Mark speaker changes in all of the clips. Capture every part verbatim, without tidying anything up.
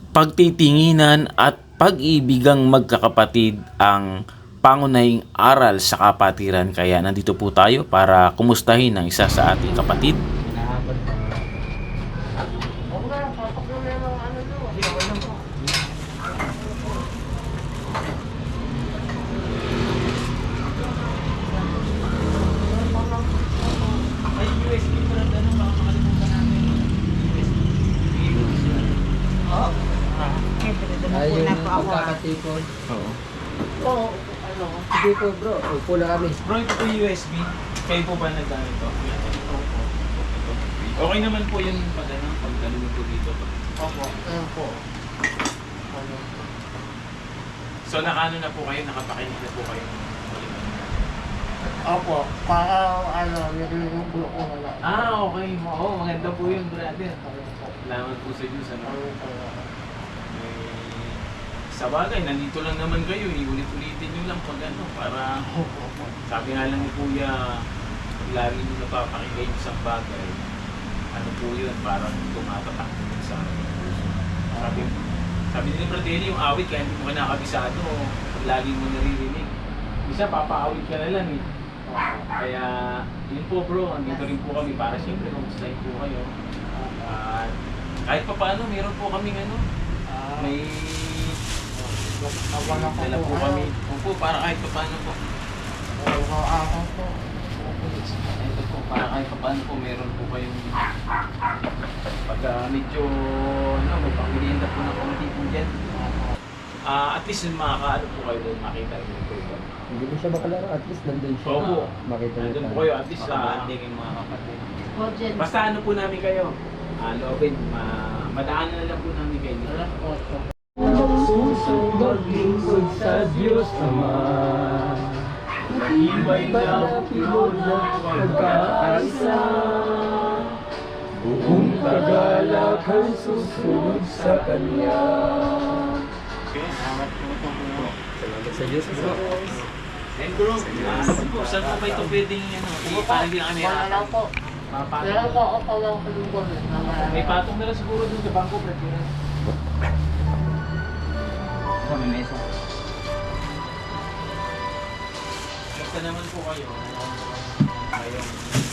Speaker 1: Pagtitinginan at pag-ibigang magkakapatid ang pangunahing aral sa kapatiran. Kaya nandito po tayo para kumustahin ang isa sa ating kapatid.
Speaker 2: Ay, yung pagkakatipon.
Speaker 1: Oo.
Speaker 2: Oo, ano, hindi po bro, upo lang kami.
Speaker 1: Bro, ito po U S B. Kayo po ba nagdaan ito? Okay naman po yun pag ano, pag ganun po dito.
Speaker 2: Opo. Ano po? Ano?
Speaker 1: So nakaano na po kayo, nakapakinig na po kayo.
Speaker 2: Opo, para ano, yung bulo ko na lang.
Speaker 1: Ah, okay. Oo, maganda po yun, brother. Salamat po sa Diyos. Ano? Eh, sa bagay, nandito lang naman kayo. Iulit-ulitin nyo lang pag ano, para sabi nga lang ni Kuya, pag lagi nyo napapakinggan yung isang bagay, ano po yun, parang tumatatak po sa puso. Sabi, sabi ni Bratelli, yung awit, kaya hindi mo ka nakabisado, pag lagi mo naririnig. Isa, papaawit ka na lang eh. Kaya, yun po bro, andito rin po kami para siyempre kamustahin po kayo. At kahit pa paano, meron po kaming ano, may dala po kami. Opo, para kahit pa paano po. Ito po, para kahit pa paano po, meron po kayong pagka medyo, ano, may pangilihan po ng kumati po dyan. Ah, at least makakaano po kayo doon, makita rin po ito.
Speaker 2: Hindi mo siya makalaro, at least nandun siya.
Speaker 1: Opo.
Speaker 2: Makita niyo
Speaker 1: Nandun po
Speaker 2: tayo.
Speaker 1: kayo, at least sa banding yung mga kapatid.
Speaker 3: Budget.
Speaker 1: Basta ano po namin kayo, ah, loobin, ma madaanan na lang po namin kayo.
Speaker 2: Susong maglingkod sa Diyos Ama,
Speaker 1: Ibay
Speaker 2: na pinod na pagkaisa, buong tagalak ang susunod sa Kanya. Salamat sa Diyos bro.
Speaker 1: And bro, ah, po, saan po ba ito pwedeng ano, i- parang hindi na kami
Speaker 3: Wala lang po.
Speaker 1: mapatong.
Speaker 3: Wala lang po ako pawang kalungkot.
Speaker 1: May patong na lang siguro dun sa bangko, Brad.
Speaker 2: Sa may mesa.
Speaker 1: Basta naman po kayo. Kayong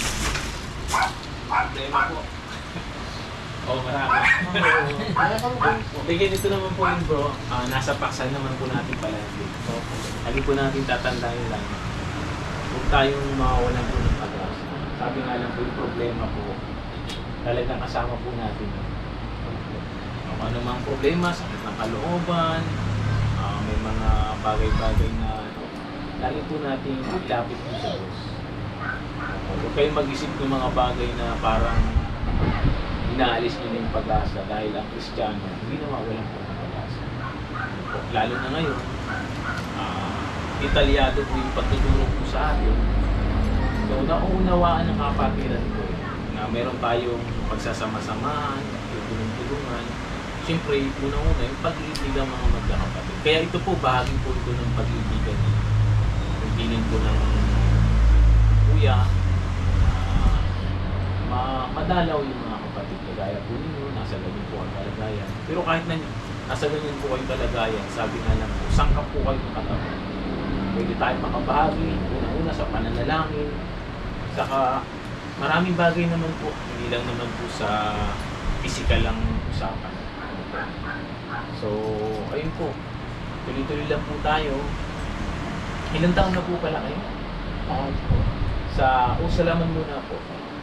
Speaker 1: problema po. Oo, marami. Sige, dito naman po yun bro. Ah, nasa paksan naman po natin palagi. So, lagi po natin tatandaan lang. Huwag tayong mawawalan po ng pag-asa. Sabi nga lang po yung problema po, talagang kasama po natin. Kung ano mang problema, sakit ng kalooban, ah, may mga bagay-bagay na ano, lagi po natin ilapit po sa Diyos. Huwag kayong mag-isip ng mga bagay na parang inaalis nyo na yung pag-asa dahil ang Kristiyano, hindi nawawalan po ng pag-asa. Lalo na ngayon, uh, detalyado po yung pagtuturo po sa atin. So, nauunawaan ng kapatiran ko eh, na meron tayong pagsasama-samahan, tulong-tulungan. Siyempre, unang-una yung pag-ibig ng mga magkakapatid. Kaya ito po, bahagi po ito ng pag-ibigan niya. Yung piling po ng kuya, uh, ma madalaw yung mga kapatid. Kagaya po ninyo, nasa ganyan po ang kalagayan. Pero kahit na nasa ganyan po kayong kalagayan, sabi nga lang po, sangkap po kayo ng katawan. Pwede tayo makabahagi, una-una sa pananalangin, saka maraming bagay naman po, hindi lang naman po sa physical lang usapan. So, ayun po, tuloy-tuloy lang po tayo. Ilang taon na po pala kayo? Sa, o salaman muna po.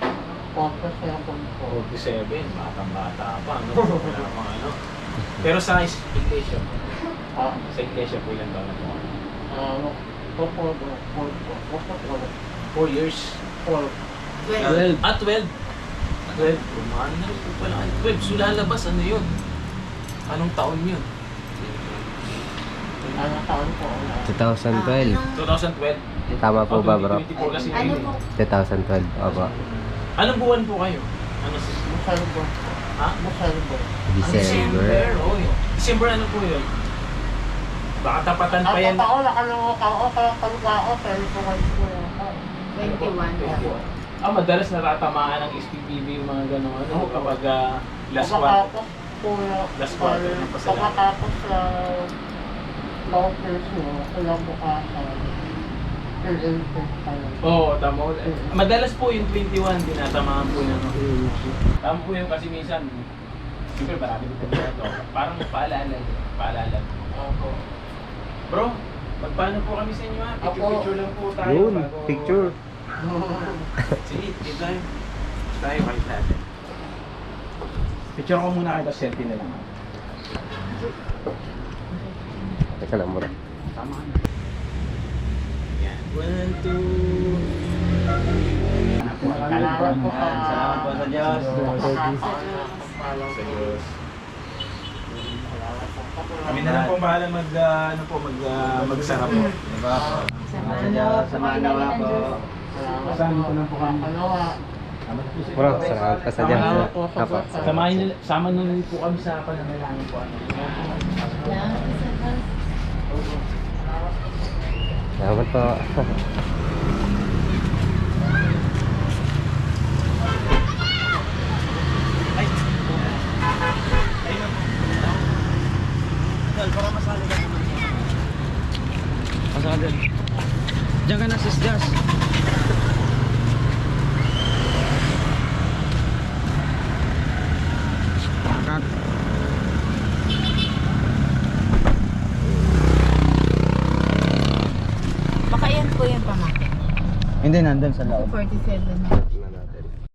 Speaker 1: forty-seven, batang-bata pa, no? Wala pang ano. Pero sa is- iglesia po.
Speaker 2: Ah,
Speaker 1: Sa iglesia po ilang taon na po?
Speaker 2: ano, four, four, four, four, four,
Speaker 1: Four years.
Speaker 2: four.
Speaker 3: Well,
Speaker 1: Ah, twelve. twelve. Ano na rin po pala. twelve. So lalabas, ano yun? Anong taon yun?
Speaker 2: Ano taon po?
Speaker 4: twenty twelve.
Speaker 1: twenty twelve.
Speaker 4: Tama po ba, bro?
Speaker 1: twenty twenty-four kasi
Speaker 3: ano
Speaker 1: yun
Speaker 3: po?
Speaker 1: eh.
Speaker 4: twenty twelve, opo.
Speaker 1: Anong buwan po kayo? Ano si...
Speaker 2: Busal po.
Speaker 1: Ha?
Speaker 2: Busal po.
Speaker 4: December.
Speaker 1: Oh, yun. December ano po yun? Baka tapatan pa yan.
Speaker 2: Ako, nakalimutan ko, kaya kalupa ako, pero po kayo po.
Speaker 3: twenty-one.
Speaker 1: Ah, madalas natatamaan ng S P P B yung mga gano'n ano, kapag uh, last
Speaker 2: Baka
Speaker 1: one.
Speaker 2: ako,
Speaker 3: po
Speaker 1: Last quarter ng pasalamat.
Speaker 3: pagkatapos sa vouchers mo, kinabukasan, fill in test kayo.
Speaker 1: Oo, tama. Madalas po yung twenty-one, tinatamaan po na. Tama po yun kasi minsan, siyempre marami ko po ito. Parang paalala, paalala.
Speaker 3: Opo.
Speaker 1: Bro, magpaano po kami sa inyo ha? Picture,
Speaker 3: Ako.
Speaker 1: picture lang po tayo.
Speaker 4: Yun,
Speaker 1: bago-
Speaker 4: picture.
Speaker 1: Sige, dito tayo. Tayo, kahit natin. Picture ko muna kayo, tapos selfie na lang.
Speaker 4: Teka lang mura.
Speaker 1: Tama na. Yan. One, two.
Speaker 3: Salamat po ka.
Speaker 2: Salamat po sa Diyos.
Speaker 1: Sa Diyos. Kami na lang po bahala mag, ah, ano po, mag, ah, magsara po.
Speaker 2: Diba po? Salamat sa Diyos. Sa mga nawa po.
Speaker 1: Kasama ko lang po kami.
Speaker 4: Bro, salamat ka sa Diyos.
Speaker 3: Salamat po sa
Speaker 4: Apa.
Speaker 3: Diyos.
Speaker 1: Samahin nyo, sama nyo na po kami sa pananalangin po. Ano?
Speaker 4: Salamat po.
Speaker 1: Ay! Ayun na po.
Speaker 2: Dal, para masali ka naman. Masali. Diyan ka na, sis Jas. Cut.
Speaker 3: Baka yan po yung pamangkin.
Speaker 2: Hindi, nandun sa loob.
Speaker 3: forty-seven.